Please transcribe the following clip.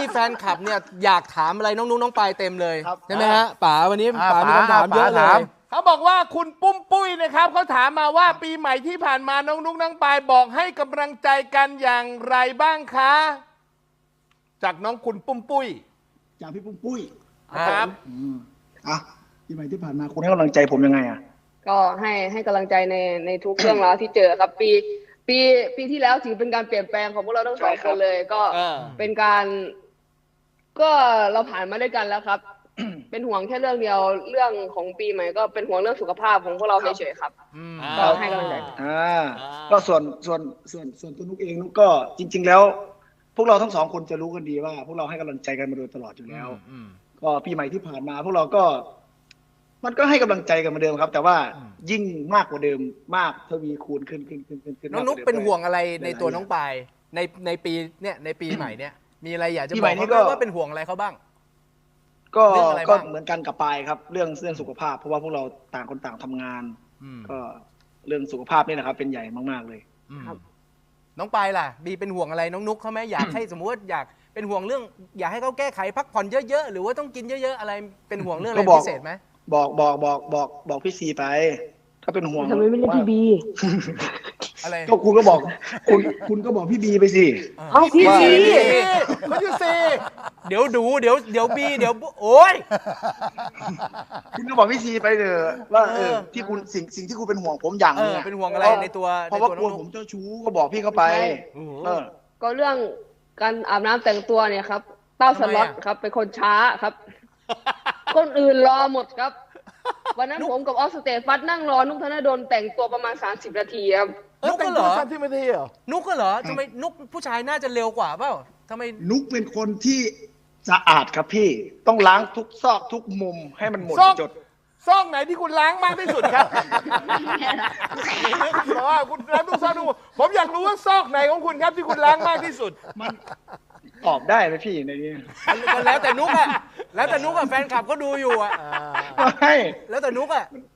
แฟนคลับเนี่ยอยากถามอะไรน้องนุ๊กน้องปายเต็มเลยใช่ไหมฮะป๋าวันนี้ป๋ามีคำถามเยอะเลยเขาบอกว่าคุณปุ้มปุ้ยนะครับเขาถามมาว่าปีใหม่ที่ผ่านมาน้องนุ๊กน้องปายบอกให้กำลังใจกันอย่างไรบ้างคะจากน้องคุณปุ้มปุ้ยจากพี่ปุ้มปุ้ยครับอ่ะปีใหม่ที่ผ่านมาคุณให้กำลังใจผมยังไงอ่ะก็ให้กำลังใจในทุกเรื่องราวที่เจอครับปีที่แล้วถือเป็นการเปลี่ยนแปลงของพวกเราทั้งสองคนเลยก็เป็นการก็เราผ่านมาด้วยกันแล้วครับ เป็นห่วงแค่เรื่องเดียวเรื่องของปีใหม่ก็เป็นห่วงเรื่องสุขภาพของพวกเราเฉยๆครับก็ให้กำลังใจก็ส่วนตัวนุกเองนุกก็จริง ๆ แล้ว พวกเราทั้งสองคนจะรู้กันดีว่า พวกเราให้กำลังใจกันมาโดยตลอดอยู่แล้วก็ปีใหม่ที่ผ่านมา พวกเราก็มันก็ให้กำลังใจกันเหมือนเดิมครับ แต่ว่ายิ่งมากกว่าเดิมมากทวีคูณขึ้นน้องนุ๊กเป็นห่วงอะไรในตัวน้องปายในปีเนี่ยในปีใหม่เนี่ยมีอะไรอยากจะบอกเขาว่าเป็นห่วงอะไรเขาบ้างก็เหมือนกันกับปายครับเรื่องสุขภาพเพราะว่าพวกเราต่างคนต่างทำงานก็เรื่องสุขภาพนี่นะครับเป็นใหญ่มากๆเลยครับน้องปายล่ะบีเป็นห่วงอะไรน้องนุ๊กเขาไหมอยากให้สมมติว่าอยากเป็นห่วงเรื่องอยากให้เขาแก้ไขพักผ่อนเยอะๆหรือว่าต้องกินเยอะๆอะไรเป็นห่วงเรื่องอะไรพิเศษไหมบอกพี่ซีไปถ้าเป็นห่วงทำไมไม่เล่นพี่บีอะไรก็คุณก็บอกคุณก็บอกพี่บีไปสิเอาพี่ซีเขาชื่อซีเดี๋ยวบีเดี๋ยวโอ้ยคุณก็บอกพี่ซีไปเถอะว่าที่คุณสิ่งที่คุณเป็นห่วงผมอย่างนึงเป็นห่วงอะไรในตัวเพราะว่ากลัวผมเจ้าชู้ก็บอกพี่เขาไปก็เรื่องการอาบน้ำแต่งตัวเนี่ยครับเต้าสล็อตครับเป็นคนช้าครับคนอื่นรอหมดครับวันนั้นผมกับออสเตฟัสนั่งรอนุกธนดลแต่งตัวประมาณ30 นาทีครับนุกก็เหรอ 30 นาทีเหรอนุกก็เหรอทำไมนุกผู้ชายน่าจะเร็วกว่าเปล่าทำไมนุกเป็นคนที่สะอาดครับพี่ต้องล้างทุกซอกทุกมุมให้มันหมดจดซอกไหนที่คุณล้างมากที่สุดครับเพราะว่าคุณล้างทุกซอกทุกมุมผมอยากรู้ว่าซอกไหนของคุณครับที่คุณล้างมากที่สุดมันตอบได้ไหมพี่ในนี้แล้วแต่นุกอะแล้วแต่นุกอะแฟนคลับก็ดูอยู่อะไม่แล้วแต่นุกอะ